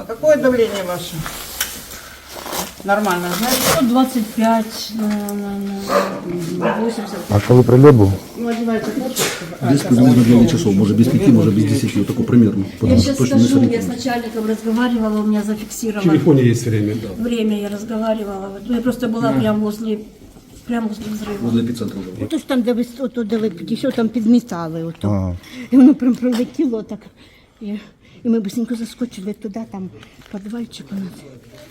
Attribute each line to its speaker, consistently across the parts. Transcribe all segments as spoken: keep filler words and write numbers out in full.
Speaker 1: Какое давление ваше? Нормально, знаете?
Speaker 2: сто двадцать пять на, на, на восемьдесят.
Speaker 3: А коли прильот був?
Speaker 1: Ну, одевайте куртку.
Speaker 4: Без приблизно девять часов, может без пяти, может без десяти, вот такой примерно.
Speaker 2: Я
Speaker 4: Потому что
Speaker 2: сейчас
Speaker 4: точно не
Speaker 2: скажу, я с
Speaker 4: сориентируюсь.
Speaker 2: начальником разговаривала, у меня
Speaker 4: В
Speaker 2: зафиксировано
Speaker 4: телефоне есть время, да.
Speaker 2: время, я разговаривала. Вот я просто была прямо возле, прямо возле взрыва.
Speaker 4: Возле эпицентра уже.
Speaker 5: Ото ж там, де ви ото, де ви підійшли, там підмітали ото.
Speaker 3: Ага.
Speaker 5: І воно прям пролетіло так. І, і ми быстренько заскочили туди, там підвальчик у нас.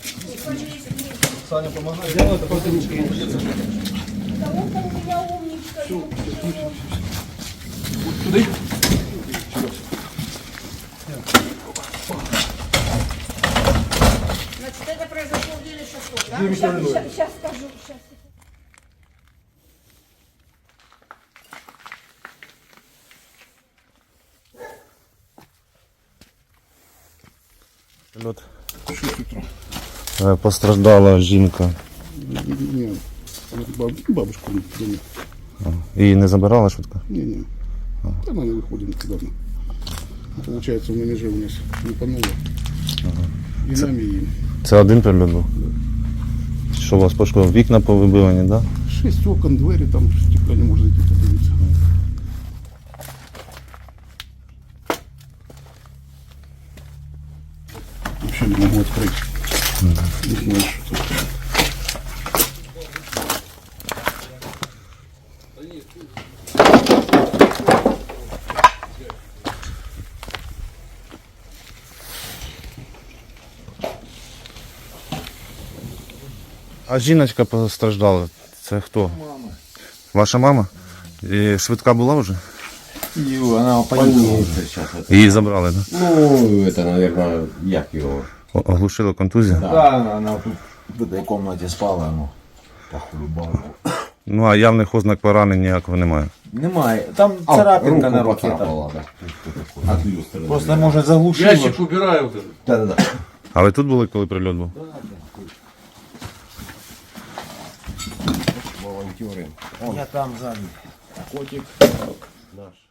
Speaker 2: Значит, это произошло в деле шестого, да? Сейчас, сейчас скажу, сейчас.
Speaker 3: Прильот. Е, Постраждала жінка.
Speaker 4: Нет, бабушка не, не,
Speaker 3: Її не забирала швидко?
Speaker 4: не, не. Она не выходит давно. Получается, на меже у нас лупануло. И нами, и им.
Speaker 3: Це один прильот був? Що у вас пошкодило? Вікна повибивані, так? Да?
Speaker 4: Шесть окон, двери, там стекла не может зайти, подивиться. Вообще не могу открыть. Не знаю, что тут.
Speaker 3: А жіночка постраждала. Це хто? Мама. Ваша мама? І швидка була вже?
Speaker 6: И она поднимется сейчас. Это.
Speaker 3: Її забрали, так? Да?
Speaker 6: Ну, это, наверное, як его.
Speaker 3: О- Оглушила контузія?
Speaker 6: Да, она тут в этой комнате спала, ну, похулюбала.
Speaker 3: Ну а явних ознак поранень ніякого немає.
Speaker 6: Немає. Там царапинка на руке.
Speaker 4: поцарапала, да. От люстры.
Speaker 6: Просто, может, заглушила.
Speaker 7: Ящик убираю вот этот.
Speaker 6: Да-да-да.
Speaker 3: А ви тут були, коли прильот був?
Speaker 6: Волонтеры. Я там сзади. Котик наш.